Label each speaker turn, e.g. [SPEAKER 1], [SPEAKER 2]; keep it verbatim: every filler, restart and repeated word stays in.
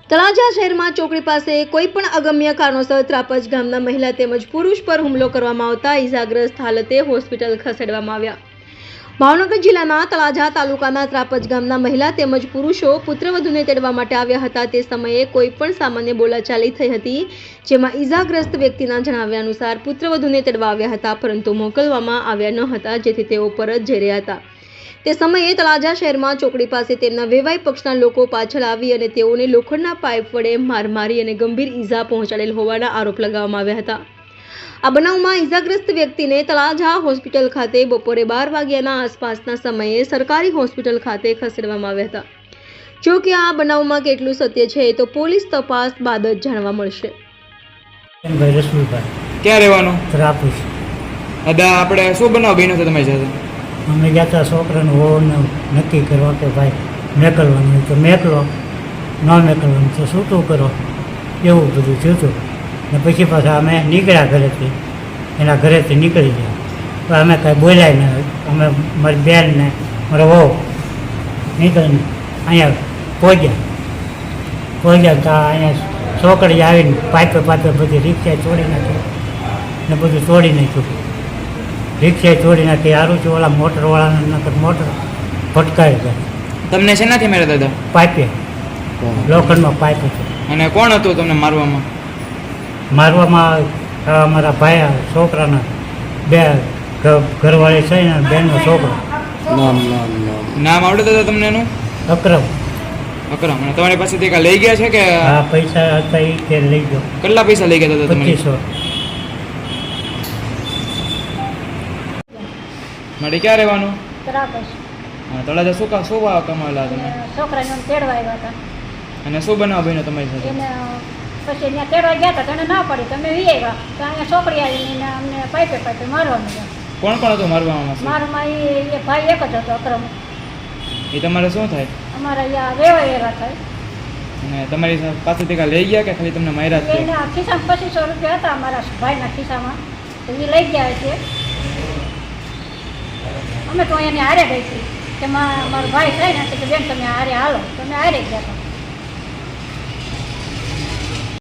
[SPEAKER 1] તળાજા શહેરમાં ચોકડી પાસે કોઈપણ અગમ્ય કારણોસર ત્રાપજ ગામના મહિલા તેમજ પુરુષ પર હુમલો કરવામાં આવતા ઈજાગ્રસ્ત હાલતે હોસ્પિટલ ખસેડવામાં આવ્યા. ભાવનગર જિલ્લાના તળાજા તાલુકાના ત્રાપજ ગામના મહિલા તેમજ પુરુષો પુત્રવધૂને તેડવા માટે આવ્યા હતા. તે સમયે કોઈપણ સામાન્ય બોલાચાલી થઈ હતી, જેમાં ઈજાગ્રસ્ત વ્યક્તિના જણાવ્યા અનુસાર પુત્રવધૂને તેડવા આવ્યા હતા, પરંતુ મોકલવામાં આવ્યા ન હતા, જેથી તેઓ પરત જઈ રહ્યા હતા. તે સમયે તળાજા શહેરમાં ચોકડી પાસે તેમના વેવાઈ પક્ષના લોકો પાછળ આવી અને તેઓને લોખંડના પાઇપ વડે માર મારી અને ગંભીર ઈજા પહોંચાડેલ હોવાના આરોપ લગાવવામાં આવ્યા હતા. આ બનાવમાં ઈજાગ્રસ્ત વ્યક્તિને તળાજા હોસ્પિટલ ખાતે બપોરે બાર વાગ્યાના આસપાસના સમયે સરકારી હોસ્પિટલ ખાતે ખસેડવામાં આવ્યા હતા. જો કે આ બનાવમાં કેટલું સત્ય છે તો પોલીસ તપાસ બાદ જ જાણવા મળશે.
[SPEAKER 2] ક્યાં રહેવાનું?
[SPEAKER 3] ત્રાપજ.
[SPEAKER 2] દાદા, આપણે શું બનાવ બન્યો છે તમારી સાથે?
[SPEAKER 3] અમે ગયા હતા છોકરાનું હોવાનું નક્કી કરવા કે ભાઈ મેકલવાનું તો મેકલો, ન મેકલવાનું તો છૂટું કરો, એવું બધું થયું હતું. ને પછી પાછા અમે નીકળ્યા ઘરેથી, એના ઘરેથી નીકળી ગયા. તો અમે કાંઈ બોલ્યા નહીં. અમે મારી બેન ને મારો વહુ નીકળીને અહીંયા પહોંચ્યા પહોંચ્યા તો અહીંયા છોકરી આવીને પાઇપે પાઇપે બધી રિક્ષા તોડી નાખી ને બધું તોડી નાખ્યું. રિક્ષા તોડી નાખી. સારું છે ઓલા મોટરવાળાને નકર મોટર ફટકારી જાય.
[SPEAKER 2] તમને શેનાથી માર્યા દાદા?
[SPEAKER 3] પાઇપે, લોખંડમાં પાઇપ હતો.
[SPEAKER 2] અને કોણ હતું તમને મારવામાં?
[SPEAKER 3] મારવામાં અમારા ભાઈ છોકરાના બે ઘરવાળી છે ને બેનનો છોકરો.
[SPEAKER 2] નામ આવડે દાદા તમને એનું?
[SPEAKER 3] અક્રમ.
[SPEAKER 2] અકરમ. અને તમારી પાસેથી કાંઈ લઈ ગયા છે કે?
[SPEAKER 3] હા, પૈસા હતા એ કે લઈ ગયો.
[SPEAKER 2] કેટલા પૈસા લઈ ગયા દાદા?
[SPEAKER 3] પચીસો.
[SPEAKER 2] મારે ક્યાં રહેવાનું?
[SPEAKER 4] ત્રાપજ.
[SPEAKER 2] હા, તળાજા શું કા શું ભાવ કમાવેલા તમે?
[SPEAKER 4] છોકરાને તેડવા આવ્યા હતા.
[SPEAKER 2] અને શું બનાવ બન્યો તમારી સાથે?
[SPEAKER 4] એને પછી ત્યાં તેડવા ગયા હતા તો એને ના પડી, તમે વી આવ્યા તો અહીંયા છોકરી આવીને અમને પાઇપે પાઇપે મારવાનું હતા.
[SPEAKER 2] કોણ કોણ હતું મારવામાં?
[SPEAKER 4] મારામાં એ એ ભાઈ એક જ હતો, અક્રમ.
[SPEAKER 2] એ તમારે શું થાય?
[SPEAKER 4] અમારા અહીંયા વેવાય એવા થાય.
[SPEAKER 2] અને તમારી પાસેથી કાંઈ લઈ ગયા કે ખાલી તમને માર્યા જ છે?
[SPEAKER 4] એના ખિસ્સામાં પચીસો રૂપિયા હતા અમારા ભાઈના ખિસ્સામાં, તો એ લઈ ગયા છે. અમે તો એને હારે ગઈ હતી કે મારો ભાઈ થાય ને કે બેન તમે હારે હાલો, તમે હારે ગયા હતા.